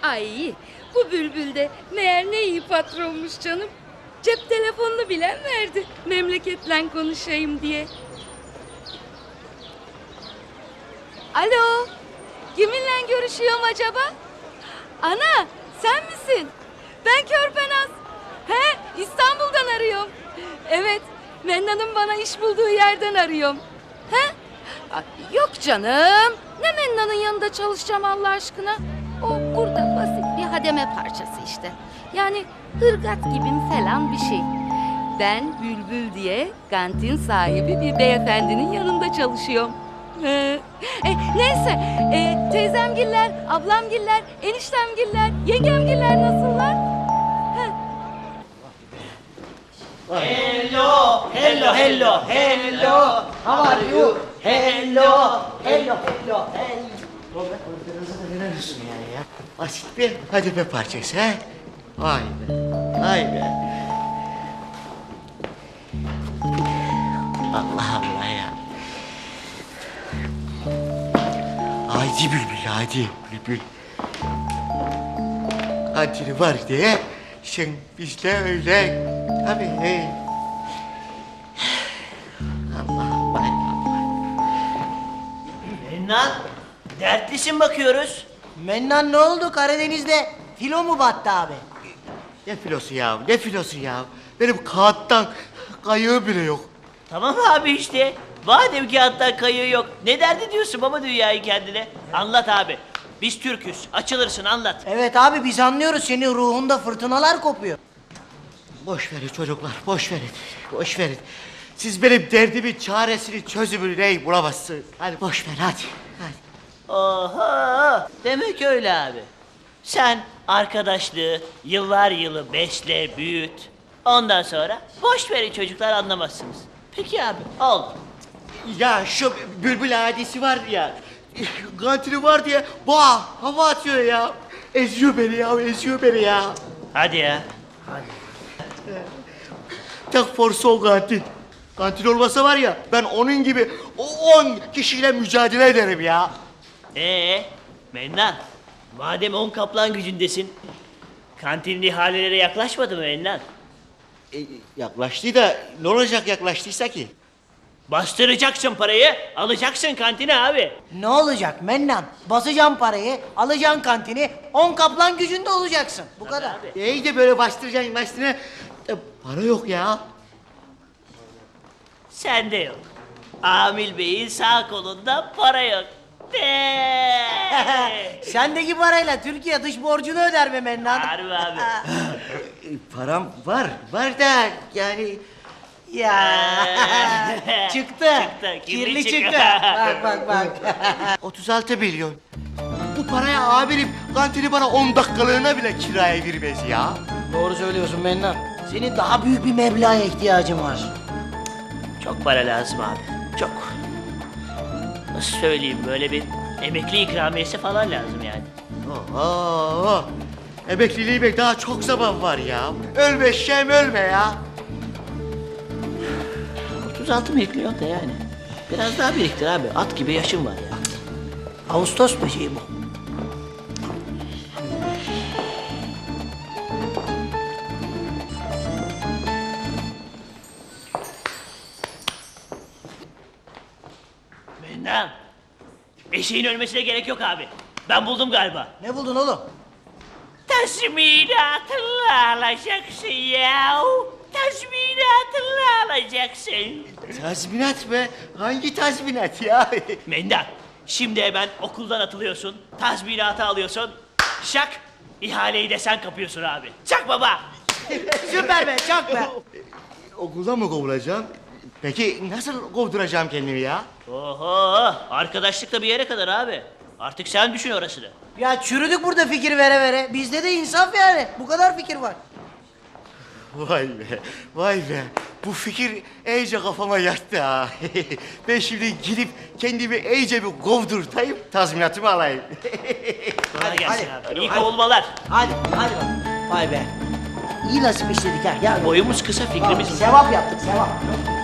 Ay, bu Bülbül de meğer ne iyi patronmuş canım. Cep telefonunu bilen verdi, memleketle konuşayım diye. Alo, kiminle görüşüyorum acaba? Ana, sen misin? Ben Körpenaz. He, İstanbul'dan arıyorum. Evet, Mennan'ın bana iş bulduğu yerden arıyorum. He? Ay, yok canım. Ne Mennan'ın yanında çalışacağım Allah aşkına? O burada basit bir hademe parçası işte. Yani ırgat gibi falan bir şey. Ben Bülbül diye kantin sahibi bir beyefendinin yanında çalışıyorum. Neyse, teyzemgiller, ablamgiller, eniştemgiller, yengemgiller nasıllar? Hello, hello, hello, hello. How are you? Hello, hello, hello, hello. Neler olsun yani ya? Basit bir hademe parçası ha? Vay be, vay be. Allah Allah ya. Haydi Bülbül, haydi Bülbül. Kantini var diye sen bizle öyle. Tabii. Allah Allah. Mennan, dertlisin bakıyoruz. Mennan ne oldu Karadeniz'de? Filo mu battı abi? Ne filosu ya, ne filosu ya? Benim kağıttan kayığı bile yok. Tamam abi işte. Madem ki hatta kayığı yok. Ne derdi diyorsun baba dünyayı kendine? Anlat abi. Biz Türk'üz. Açılırsın anlat. Evet abi biz anlıyoruz senin ruhunda fırtınalar kopuyor. Boş verin çocuklar, boş verin. Boş verin. Siz benim derdimin çaresini, çözümünü neyi bulamazsınız. Hadi boş ver, hadi. Hadi. Oha! Demek öyle abi. Sen arkadaşlığı yıllar yılı besle, büyüt. Ondan sonra boş verin çocuklar anlamazsınız. Peki abi, oldu. Ya şu bülbül hadisi var ya, kantini var diye bah hava atıyor ya. Eziyor beni ya, eziyor beni ya. Hadi ya. Tak forsu o kantin. Kantin olmasa var ya, ben onun gibi 10 kişiyle mücadele ederim ya. Mennan, madem 10 kaplan gücündesin, kantinin ihaleleri yaklaşmadı mı Mennan? Yaklaştı da ne olacak yaklaştıysa ki? Bastıracaksın parayı, alacaksın kantine abi. Ne olacak Mennan? Basacaksın parayı, alacaksın kantini, 10 kaplan gücünde olacaksın. Bu kadar. Abi. İyi de böyle bastıracaksın bastığına. Para yok ya. Sende yok. Amil Bey'in sağ kolunda para yok. Sendeki parayla Türkiye dış borcunu öder be Mennan. Harbi abi. Param var da yani... Ya çıktı. Çıktı, kirli çıktı. Bak. 36 milyon. Bu paraya amirim kantini bana 10 dakikalığına bile kiraya vermez ya. Doğru söylüyorsun Mennan. Senin daha büyük bir meblağa ihtiyacın var. Çok para lazım abi. Çok. Nasıl söyleyeyim böyle bir emekli ikramiyesi falan lazım yani. Oho. Emekliliğime daha çok zaman var ya. Ölme Şem ölme ya. 36 milyon da yani. Biraz daha biriktir abi. At gibi yaşım var ya. Ağustos böceği bu. Mennan. Eşeğin ölmesine gerek yok abi. Ben buldum galiba. Ne buldun oğlum? Tazminatını alacaksın ya. Tazminatını alacaksın. Tazminat mı? Hangi tazminat ya? Mendan, şimdi hemen okuldan atılıyorsun, tazminatı alıyorsun, şak, ihaleyi de sen kapıyorsun abi. Çak baba! Süper be, çak be. Okuldan mı kovulacağım? Peki nasıl kovduracağım kendimi ya? Oho, arkadaşlık da bir yere kadar abi. Artık sen düşün orasını. Ya çürüdük burada fikir vere vere. Bizde de insaf yani. Bu kadar fikir var. Vay be, vay be. Bu fikir iyice kafama yattı ha. Ben şimdi gidip kendimi iyice bir kovdurtayım, tazminatımı alayım. Kolay gelsin hadi. abi. İyi kovulmalar. Hadi bak. Vay be. İyi nasip işledik ha. Gel. Boyumuz kısa, fikrimiz... Sevap yaptık, sevap.